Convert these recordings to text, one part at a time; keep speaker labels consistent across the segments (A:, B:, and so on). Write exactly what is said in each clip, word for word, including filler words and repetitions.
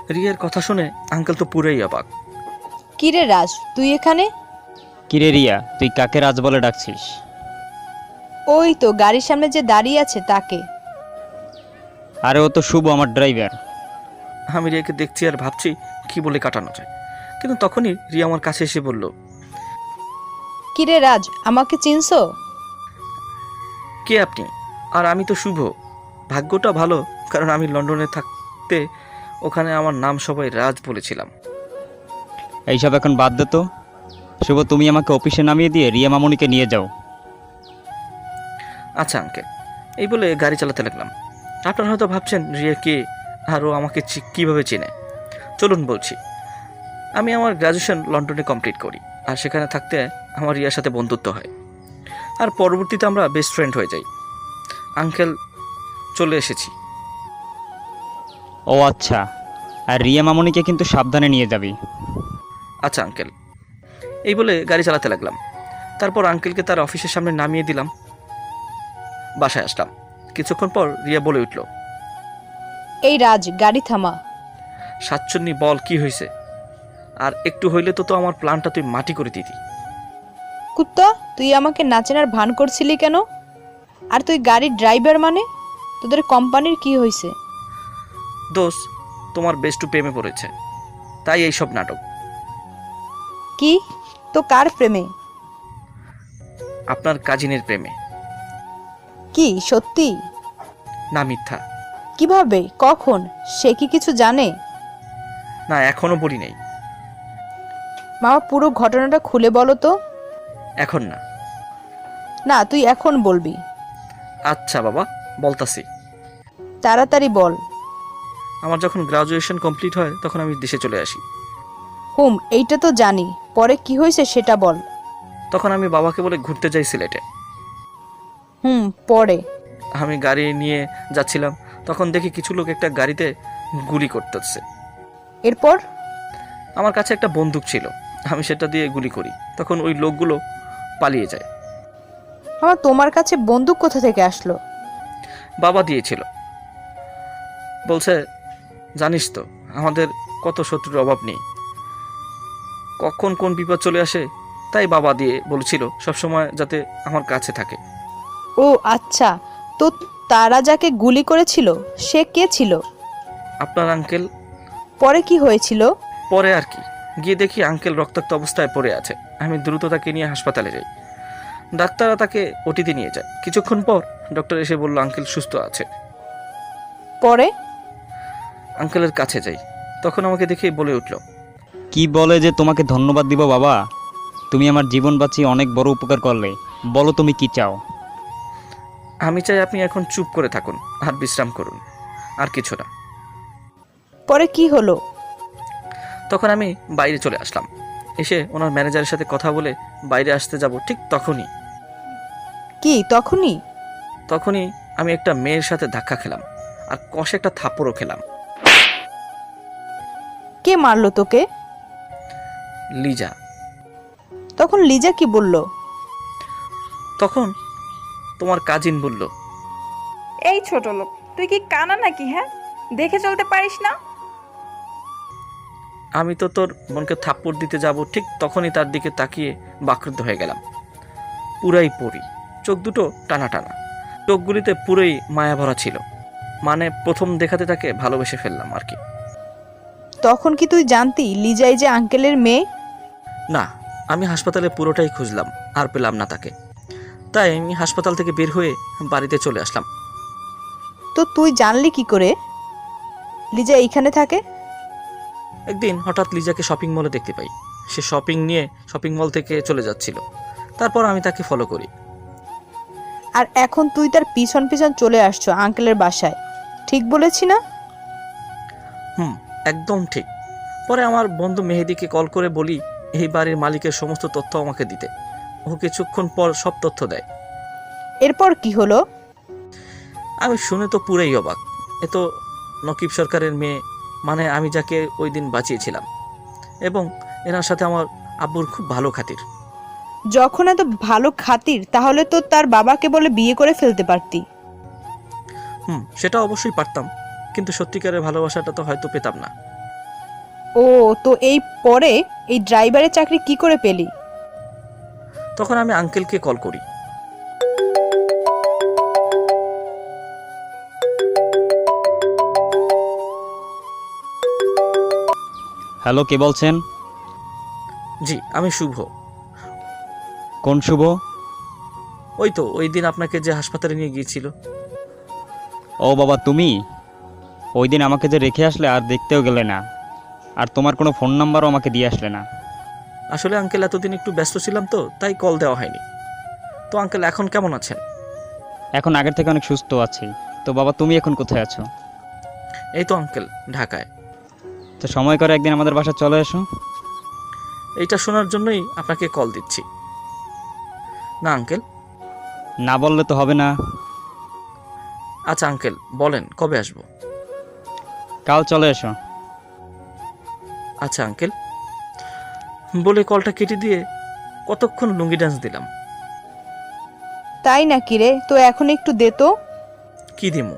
A: রিয়ার কথা শুনে আঙ্কেল তো পুরোই অবাক।
B: কিরে রাজ, তুই এখানে?
C: কিরে রিয়া, তুই কাকে রাজ বলে ডাকছিস?
B: ওই তো গাড়ির সামনে যে দাঁড়িয়ে আছে তাকে।
C: আরে ও তো শুভ, আমার ড্রাইভার।
A: আমি রিয়াকে দেখছি আর ভাবছি কি বলে কাটানো যায়, কিন্তু তখনই রিয়া আমার কাছে এসে বলল,
B: কিরে রাজ, আমাকে চিনছো?
A: কে আপনি? আর আমি তো শুভ। ভাগ্যটা ভালো, কারণ আমি লন্ডনে থাকতে ওখানে আমার নাম সবাই রাজ বলেছিলাম।
C: এইসব এখন বাদ দে তো। শুভ, তুমি আমাকে অফিসে নামিয়ে দিয়ে রিয়া মামুনিকে নিয়ে যাও।
A: আচ্ছা আঙ্কেল, এই বলে গাড়ি চালাতে লাগলাম। আপনারা হয়তো ভাবছেন রিয়া কে আর ও আমাকে চি- কিভাবে চেনে। চলুন বলছি। আমি আমার গ্র্যাজুয়েশন লন্ডনে কমপ্লিট করি, আর সেখানে থাকতে আমার রিয়ার সাথে বন্ধুত্ব হয়, আর পরবর্তীতে আমরা বেস্ট ফ্রেন্ড হয়ে যাই। আঙ্কেল, চলে এসেছি।
C: ও আচ্ছা, আর রিয়া মামুনিকে কিন্তু সাবধানে নিয়ে যাবি।
A: আচ্ছা আঙ্কেল, এই বলে গাড়ি চালাতে লাগলাম। তারপর আঙ্কেলকে তার অফিসের সামনে নামিয়ে দিলাম। বাসায় আসলাম। কিছুক্ষণ পর রিয়া বলে উঠল,
B: এই রাজ, গাড়ি থামা।
A: সাতচন্নি, বল কি হয়েছে? আর একটু হইলে তো তো আমার প্ল্যানটা তুই মাটি করে দিতি।
B: কুত্তা, তুই আমাকে নাচেনার ভান করছিলি কেন? আর তুই গাড়ির ড্রাইভার মানে? তোদের কোম্পানির কি হয়েছে?
A: দোষ, তোমার বেস্টু প্রেমে পড়েছে, তাই এইসব নাটক।
B: কি? তো কার প্রেমে?
A: আপনার কাজিনের প্রেমে।
B: কি সত্যি?
A: না, মিথ্যা।
B: কিভাবে? কখন? সে কি কিছু জানে?
A: না, এখনো বলি নেই।
B: মামা, পুরো ঘটনাটা খুলে বলো তো।
A: এখন না।
B: না, তুই এখন বলবি।
A: আচ্ছা বাবা, বলতাছি।
B: তাড়াতাড়ি বল।
A: আমার যখন গ্রাজুয়েশন কমপ্লিট হয় তখন আমি দেশে চলে আসি।
B: হুম, এইটা তো জানি। পরে কি হয়েছে সেটা বল।
A: তখন আমি বাবাকে বলে ঘুরতে যাই সিলেটে।
B: হুম, পরে?
A: আমি গাড়ি নিয়ে যাচ্ছিলাম, তখন দেখি কিছু লোক একটা গাড়িতে গুলি করতেছে।
B: এরপর?
A: আমার কাছে একটা বন্দুক ছিল, আমি সেটা দিয়ে গুলি করি। তখন ওই লোকগুলো পালিয়ে যায়।
B: মামা, তোমার কাছে বন্দুক কোথা থেকে আসলো?
A: বাবা দিয়েছিল। বলছে, জানিস তো আমাদের কত শত্রুর অভাব নেই, কখন কোন বিপদ চলে আসে, তাই বাবা দিয়ে বলেছিল সবসময় যাতে আমার কাছে থাকে।
B: ও আচ্ছা, তো তারা যাকে গুলি করেছিল সে কে ছিল?
A: আপনার আঙ্কেল।
B: পরে কি হয়েছিল?
A: পরে আর কি, গিয়ে দেখি আঙ্কেল রক্তাক্ত অবস্থায় পড়ে আছে। আমি দ্রুত তাকে নিয়ে হাসপাতালে যাই। ডাক্তাররা তাকে ওটিতে নিয়ে যায়। কিছুক্ষণ পর ডক্টর এসে বলল আঙ্কেল সুস্থ আছে।
B: পরে?
A: আঙ্কেলের কাছে যাই, তখন আমাকে দেখে বলে উঠল,
C: কি বলে যে তোমাকে ধন্যবাদ দিব বাবা, তুমি আমার জীবন বাঁচিয়ে অনেক বড় উপকার করলে। বলো তুমি কি চাও?
A: আমি চাই আপনি এখন চুপ করে থাকুন আর বিশ্রাম করুন, আর কিছু না।
B: পরে কি হলো?
A: তখন আমি বাইরে চলে আসলাম। এসে ওনার ম্যানেজারের সাথে কথা বলে বাইরে আসতে যাব, ঠিক তখনই
B: কি তখনই?
A: তখনই আমি একটা মেয়ের সাথে ধাক্কা খেলাম, আর কষে একটা থাপ্পড়ও খেলাম।
B: কে মারলো তোকে?
A: লিজা।
B: তখন লিজা কি বলল?
A: তখন তোমার কাজিন বলল,
D: এই ছোট লোক, তুই কি কানা নাকি? হ্যাঁ, দেখে চলতে পারিস না?
A: আমি তো তোর বোনকে থাপ্পড় দিতে যাব, ঠিক তখনই তার দিকে তাকিয়ে বাকরুদ্ধ হয়ে গেলাম। পুরাই পড়ি, চোখ দুটো টানা টানা, চোখগুলিতে পুরোই মায়া ভরা ছিল। মানে প্রথম দেখাতে তাকে ভালোবেসে ফেললাম আর কি।
B: তখন কি তুই জানতি লিজাই যে আঙ্কেলের মেয়ে?
A: না, আমি হাসপাতালে পুরোটাই খুঁজলাম, আর পেলাম না তাকে। তাই আমি হাসপাতাল থেকে বের হয়ে বাড়িতে চলে আসলাম।
B: তো তুই জানলি কি করে লিজা এইখানে থাকে?
A: একদিন হঠাৎ লিজাকে শপিং মলে দেখতে পাই। সে শপিং নিয়ে শপিং মল থেকে চলে যাচ্ছিল। তারপর আমি তাকে ফলো করি।
B: আর এখন তুই তার পিছন পিছন চলে আসছো আঙ্কেলের বাসায়, ঠিক বলেছি না?
A: হুম, একদম ঠিক। পরে আমার বন্ধু মেহেদিকে কল করে বলি এই বাড়ির মালিকের সমস্ত তথ্য আমাকে দিতে। ও কিছুক্ষণ পর সব তথ্য দেয়।
B: এরপর কি হলো?
A: আমি শুনে তো পুরাই অবাক। এ তো নকিব সরকারের মেয়ে, মানে আমি যাকে ওই দিন বাঁচিয়েছিলাম। এবং এনার সাথে আমার আব্বুর খুব ভালো খাতির।
B: যখন এত ভালো খাতির, তাহলে তো তার বাবাকে বলে বিয়ে করে ফেলতে পারতি।
A: হুম, সেটা অবশ্যই পারতাম, কিন্তু সত্যিকারের ভালোবাসাটা তো হয়তো পেতাম না।
B: ও, তো এই পরে এই ড্রাইভারের চাকরি কি করে পেলি?
A: তখন আমি আঙ্কেলকে কল করি।
C: হ্যালো, কে বলছেন?
A: জি, আমি শুভ।
C: কোন শুভ?
A: ওই তো ওই দিন আপনাকে যে হাসপাতালে নিয়ে গিয়েছিল।
C: ও বাবা, তুমি ওই দিন আমাকে যে রেখে আসলে আর দেখতেও গেলে না, আর তোমার কোনো ফোন নাম্বারও আমাকে দিয়ে আসলে না।
A: আসলে আঙ্কেল এতদিন একটু ব্যস্ত ছিলাম তো, তাই কল দেওয়া হয়নি। তো আঙ্কেল এখন কেমন আছেন?
C: এখন আগের থেকে অনেক সুস্থ আছি। তো বাবা, তুমি এখন কোথায় আছো?
A: এই তো আঙ্কেল, ঢাকায়।
C: তো সময় করে একদিন আমাদের বাসায় চলে এসো।
A: এইটা শোনার জন্যই আপনাকে কল দিচ্ছি। না আঙ্কেল।
C: না বললে তো হবে না।
A: আচ্ছা আঙ্কেল, বলেন কবে আসবো?
C: কাল চলে এসো।
A: আচ্ছা আঙ্কেল। বলে কলটা কেটে দিয়ে কতক্ষণ লুঙ্গি ডান্স দিলাম।
B: তাই নাকি রে? তো এখন একটু দে তো।
A: কি দিমু?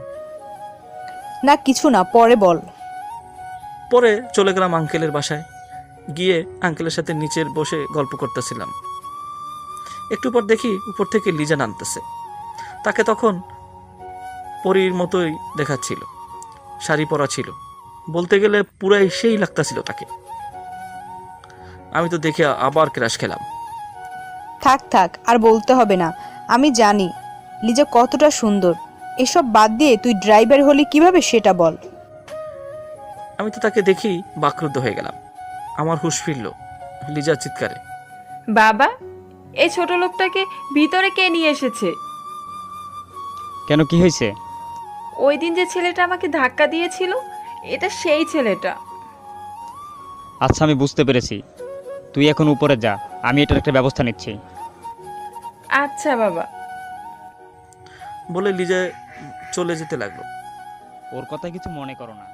B: না কিছু না, পরে বল।
A: পরে চলে গেলাম আঙ্কেলের বাসায়। গিয়ে আঙ্কেলের সাথে নিচের বসে গল্প করতেছিলাম। একটু পর দেখি উপর থেকে লিজা নামতেছে। তাকে তখন পরীর মতোই দেখাচ্ছিল। শাড়ি পরা ছিল, বলতে গেলে পুরাই সেই লাগতাছিল তাকে। আমি তো দেখে আবার ক্রাশ খেলাম।
B: থাক থাক, আর বলতে হবে না। আমি জানি লিজা কতটা সুন্দর। এসব বাদ দিয়ে তুই ড্রাইভার হলি কিভাবে সেটা বল।
A: আমি তো তাকে দেখি বাকরুদ্ধ হয়ে গেলাম। আমার হুঁশ ফিরল লিজার চিৎকারে।
D: বাবা, এই ছোট লোকটাকে ভিতরে কে নিয়ে এসেছে?
C: কেন, কি হয়েছে?
D: ওই দিন যে ছেলেটা আমাকে ধাক্কা দিয়েছিল, এটা সেই ছেলেটা।
C: আচ্ছা, আমি বুঝতে পেরেছি। তুই এখন উপরে যা, আমি এটার একটা ব্যবস্থা নিচ্ছি।
D: আচ্ছা বাবা।
A: বলে লিজা চলে যেতে লাগলো।
C: ওর কথা কিছু মনে করো না।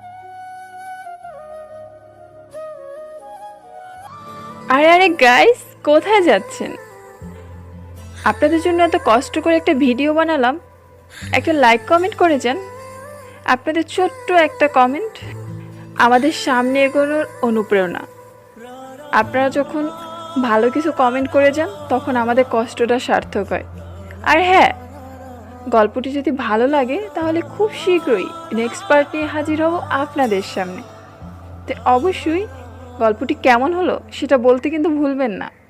D: আরে আরে গাইস, কোথায় যাচ্ছেন? আপনাদের জন্য এত কষ্ট করে একটা ভিডিও বানালাম, একটা লাইক কমেন্ট করে যান। আপনাদের ছোট্ট একটা কমেন্ট আমাদের সামনে এগোনোর অনুপ্রেরণা। আপনারা যখন ভালো কিছু কমেন্ট করে যান, তখন আমাদের কষ্টটা সার্থক হয়। আর হ্যাঁ, গল্পটি যদি ভালো লাগে তাহলে খুব শীঘ্রই নেক্সট পার্ট নিয়ে হাজির হব আপনাদের সামনে। তো অবশ্যই গল্পটি কেমন হলো সেটা বলতে কিন্তু ভুলবেন না।